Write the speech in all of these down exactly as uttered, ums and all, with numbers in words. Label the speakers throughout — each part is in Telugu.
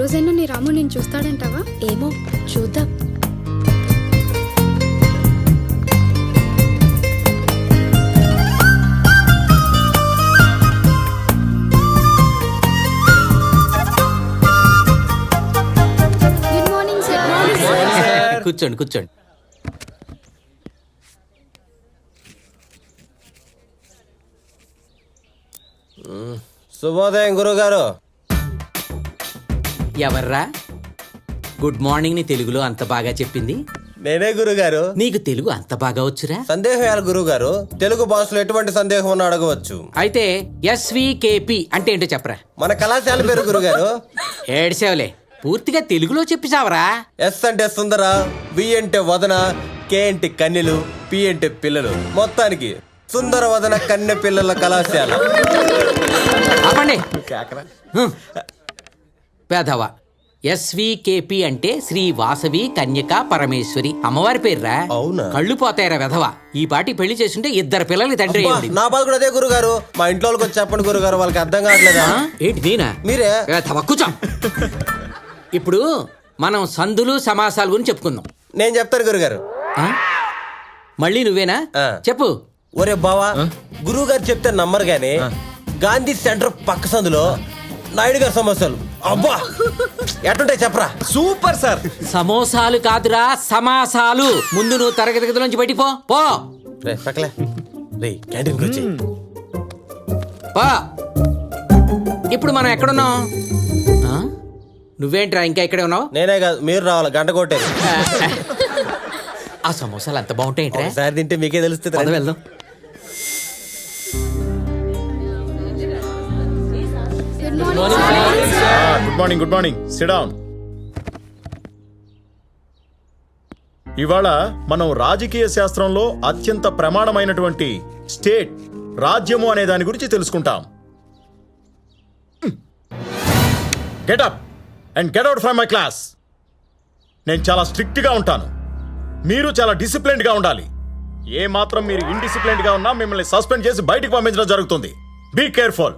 Speaker 1: రోజైనా నీ రాము నేను చూస్తాడంటావా?
Speaker 2: ఏమో చూద్దాం.
Speaker 1: Good morning sir.
Speaker 3: కూర్చోండి కూర్చోండి.
Speaker 4: శుభోదయం గురుగారు.
Speaker 3: ఎవర్రా గుడ్ మార్నింగ్ ని తెలుగులో అంత బాగా చెప్పింది?
Speaker 4: నేనే గురుగారు.
Speaker 3: నీకు తెలుగు అంత బాగా వచ్చురా?
Speaker 4: సందేహాలు గురుగారు. తెలుగు భాషలో ఎటువంటి సందేహం ఉన్నా అడగవచ్చు.
Speaker 3: అయితే ఎస్వికేపి అంటే ఏంటో చెప్పరా?
Speaker 4: మన కళాశాల పేరు గురుగారు.
Speaker 3: ఏడ్సేవలే, పూర్తిగా తెలుగులో చెప్పి చావరా.
Speaker 4: ఎస్ అంటే సుందర, వి అంటే వదన, కే అంటే కన్నెలు, పి అంటే పిల్లలు. మొత్తానికి సుందర వదన కన్నె పిల్లల కళాశాల.
Speaker 3: ఆపండి పేదవా. ఎస్వికేపి అంటే శ్రీ వాసవి కన్యక పరమేశ్వరి అమ్మవారి పేర్రా.
Speaker 4: అవునా?
Speaker 3: కళ్ళు పోతాయరా వెధవా. ఈ పాటి పెళ్లి చేస్తుంటే ఇద్దరు పిల్లలకి తండ్రి అయ్యింది.
Speaker 4: నా బాధ కూడా అదే గురుగారు. మా ఇంట్లో వాళ్ళకి వచ్చి చెప్పండి గురుగారు, వాళ్ళకి అర్థం కావట్లేదా?
Speaker 3: ఏంటి నేనా?
Speaker 4: మీరే.
Speaker 3: వెధవా, కూర్చో. ఇప్పుడు మనం సందులు సమాసాల గురించి చెప్పుకుందాం.
Speaker 4: నేను చెప్తాను గురుగారు.
Speaker 3: ఆ? మళ్ళీ నువ్వేనా?
Speaker 4: ఆ.
Speaker 3: చెప్పు.
Speaker 4: ఒరే బావా, గురువు గారు చెప్తే నమ్మరు గాని గాంధీ సెంటర్ పక్క సందులో నాయుడు గారి సమోసాలు అబ్బా ఎట్టుంటాయి చెప్పరా.
Speaker 5: Super sir.
Speaker 3: సమోసాలు కాదురా, సమాసాలు. ముందు నువ్వు తరగతి గదిలోంచి బయటికి పో పో
Speaker 4: రే పక్కలే రే క్యాంటీన్కి వచ్చి
Speaker 3: పో. ఇప్పుడు మనం ఎక్కడున్నాం? ఆ? నువ్వేంట్రా ఇంకా ఇక్కడే ఉన్నావు?
Speaker 4: నేనే కాదు, మీరు రావాలి. గంట కొట్టేది.
Speaker 3: ఆ సమోసాలు అంత బాగుంటాయి.
Speaker 4: ఒకసారి తింటే మీకే తెలుస్తుంది.
Speaker 3: పద వెళ్దాం.
Speaker 6: Good morning. Good morning. Sit down. ఇవాళ మనం రాజకీయ శాస్త్రంలో అత్యంత ప్రమాణమైనటువంటి స్టేట్, రాజ్యము అనే దాని గురించి తెలుసుకుంటాం. Get up and get out from my class. నేను చాలా స్ట్రిక్ట్ గా ఉంటాను, మీరు చాలా డిసిప్లిన్డ్ గా ఉండాలి. ఏ మాత్రం మీరు ఇండిసిప్లిన్డ్ గా ఉన్నా మిమ్మల్ని సస్పెండ్ చేసి బయటికి పంపించడం జరుగుతుంది. Be careful.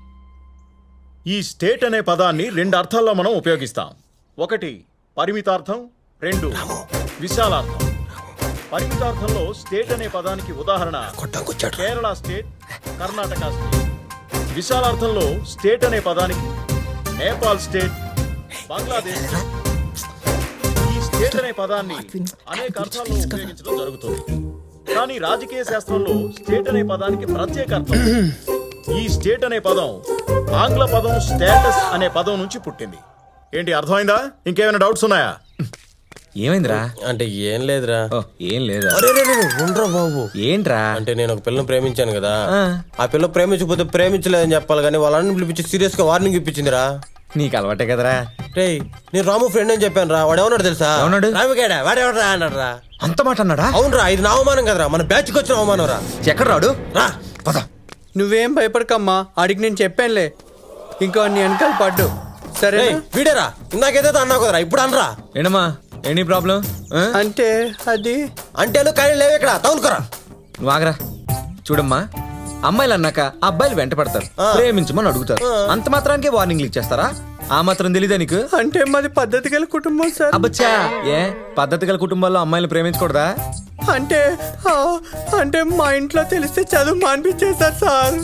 Speaker 6: ఈ స్టేట్ అనే పదాన్ని రెండు అర్థాల్లో మనం ఉపయోగిస్తాం. ఒకటి పరిమితార్థం, రెండు విశాలార్థం. పరిమితార్థంలో స్టేట్ అనే పదానికి ఉదాహరణ కేరళ స్టేట్, కర్ణాటక స్టేట్. విశాలార్థంలో స్టేట్ అనే పదానికి నేపాల్ స్టేట్, బంగ్లాదేశ్ స్టేట్. ఈ స్టేట్ అనే పదాన్ని అనేక అర్థాల్లో ఉపయోగించడం జరుగుతుంది. కానీ రాజకీయ శాస్త్రంలో స్టేట్ అనే పదానికి ప్రత్యేక అర్థం. ఈ స్టేట్ అనే పదం ఆంగ్ల పదం స్టేటస్ అనే పదం నుంచి పుట్టింది. ఏంటి అర్థమైందా? ఇంకేమైనా డౌట్స్ ఉన్నాయా?
Speaker 5: ఏమైందిరా?
Speaker 4: అంటే ఏం లేదురా.
Speaker 5: ఏం లేదా?
Speaker 4: ఉండరా బాబు.
Speaker 5: ఏంట్రా?
Speaker 4: అంటే నేను ఒక పిల్లని ప్రేమించాను కదా, ఆ పిల్ల ప్రేమించకపోతే ప్రేమించలేదని చెప్పాలి కానీ వాళ్ళని పిలిపించి సీరియస్ గా వార్నింగ్ ఇప్పించిందిరా.
Speaker 5: నీకు అలవాటే కదరా.
Speaker 4: రే నేను రాము ఫ్రెండ్ అని చెప్పాను రా. వాడు ఏమన్నాడు తెలుసా?
Speaker 5: ఏమన్నాడు?
Speaker 4: రాముకేడా వాడేవడరా అన్నాడు రా.
Speaker 5: అంత మాట అన్నాడా?
Speaker 4: అవునరా, ఇది నా అవమానం కదరా, మన బ్యాచ్ కి వచ్చిన అవమానం రా.
Speaker 5: ఎక్కడ రాడు?
Speaker 4: రా
Speaker 5: పద.
Speaker 7: నువ్వేం భయపడకమ్మా, ఆడికి నేను చెప్పానులే. ఇంకా నీ వెనకాల పడ్డు సరే.
Speaker 4: వీడేరా ఇందాకేదో అన్నావు కదరా, ఇప్పుడు అనరా.
Speaker 5: ఏంటమ్మా ఎనీ ప్రాబ్లం?
Speaker 7: అంటే అది
Speaker 4: అంటే కానీ లేవు ఇక్కడ తగులుకోరా.
Speaker 5: నువ్వు ఆగరా. చూడమ్మా, అమ్మాయిలు అన్నాక అబ్బాయిలు వెంట పడతారు, ప్రేమించమని అడుగుతారు. అంత మాత్రానికే వార్నింగ్లు ఇచ్చేస్తారా? ఆ మాత్రం తెలీదా నీకు?
Speaker 7: అంటే మాది పద్ధతి గల కుటుంబం సార్.
Speaker 5: అబ్బచ్చా, ఏ పద్ధతి గల కుటుంబాల్లో అమ్మాయిలు ప్రేమించకూడదా?
Speaker 7: అంటే ఆ, అంటే మా ఇంట్లో తెలిస్తే చదువు మానిపించేశారు సార్.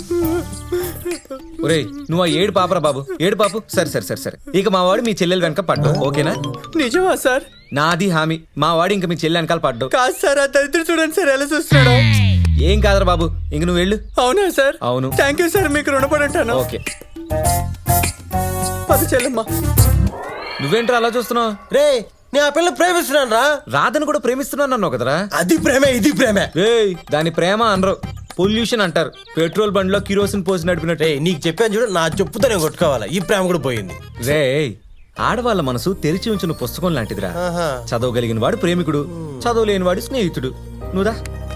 Speaker 5: ఒరేయ్ నువ్వు ఆ ఏడు పాపరా బాబు, ఏడు పాపు. సరే సరే సరే సరే ఇక మా వాడు మీ చెల్లెలు వెనక పడ్డు, ఓకేనా?
Speaker 7: నిజమా సార్?
Speaker 5: నాది హామీ, మా వాడు ఇంకా మీ చెల్లె వెనకాల పడ్డు.
Speaker 7: కాదు సార్, ఆ దరిద్ర చూడండి సార్ ఎలా చూస్తున్నాడు.
Speaker 5: ఏం కాదరా బాబు, ఇంక నువ్వు వెళ్ళు.
Speaker 7: అవునా సార్?
Speaker 5: అవును.
Speaker 7: థ్యాంక్ యూ సార్, మీకు రుణపడి ఉంటాను.
Speaker 5: ఓకే.
Speaker 7: పద చెల్లమ్మా.
Speaker 5: నువ్వేంట్రా అలా చూస్తున్నావు?
Speaker 4: రే నేను ఆ పిల్ల ప్రేమిస్తున్నాను రా.
Speaker 5: రాధను కూడా ప్రేమిస్తున్నాను అన్నావు కదరా.
Speaker 4: అది ప్రేమే ఇది ప్రేమే.
Speaker 5: రేయ్ దాని ప్రేమ అనరు, పొల్యూషన్ అంటారు. పెట్రోల్ బండిలో కిరోసిన్ పోసి నడిపినట్టు.
Speaker 4: రే నీకు చెప్పాను చూడు, నా చెప్పుతో నేను కొట్టుకోవాలా. ఈ ప్రేమ కూడా పోయింది.
Speaker 5: రే ఆడవాళ్ళ మనసు తెరిచి ఉంచిన పుస్తకం లాంటిదిరా. చదవగలిగిన వాడు ప్రేమికుడు, చదవలేని వాడు స్నేహితుడు. నువ్వుదా